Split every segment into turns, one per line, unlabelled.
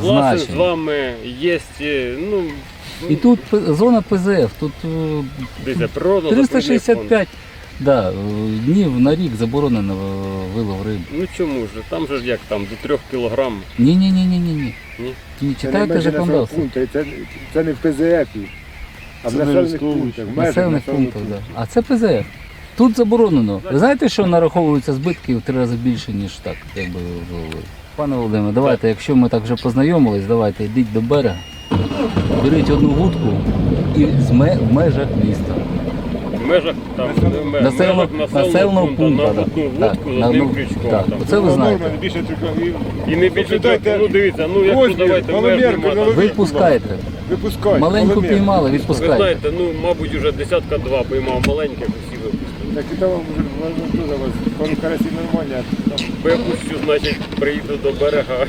Согласен з
значень.
вами, є, ну,
І тут зона ПЗФ, тут
дивіться, природно
365 днів на рік заборонено вилов риби.
Ну чому ж? Там же ж як там, до 3 кілограм.
Ні.
Ні?
Ні, читайте законодавство.
Це не в ПЗФ, а в населених пунктах. в межах
Населених пунктах,
пунктів.
да. А це ПЗФ. Тут заборонено. Ви знаєте, що нараховуються збитки в 3 рази більше, ніж так, якби ви говорили? Пане Володимире, давайте, якщо ми так вже познайомились, давайте йдіть до берега, беріть одну вудку і в межах міста.
В межах там,
Населеного пункту,
на
да.
одну
Так,
вудку з
на
одним
одну-
крючком.
так.
там.
Оце ви знаєте.
Не більше трьох.
І не більше
Послухайте,
ну дивіться, ну якщо
Возьмі,
давайте меж
маломірку,
нема, там.
наловіть.
Ви пускаєте.
Випускайте.
Маленьку
маломір.
піймали,
Ви
відпускайте.
знаєте, ну мабуть уже десятка-два поймав маленьких, усі випустили.
Так і там вже дуже вас, пару карасів нормально, а там
Випущу, значить, приїду до берега.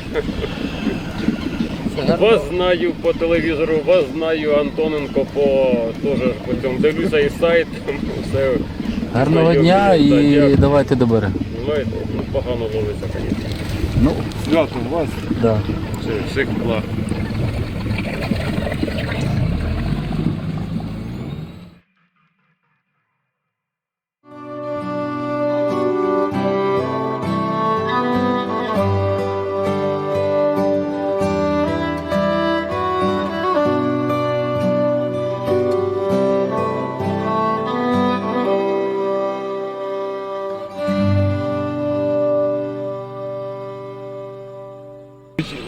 Вас знаю по телевізору, вас знаю Антоненко теж по цьому. Дивлюся і сайт, там все.
Гарного
знайомі,
дня
да,
і
дякую.
давайте до берега.
Знаєте, ну, погано ловиться, звісно.
Ну,
свято у вас.
да.
Всіх благ.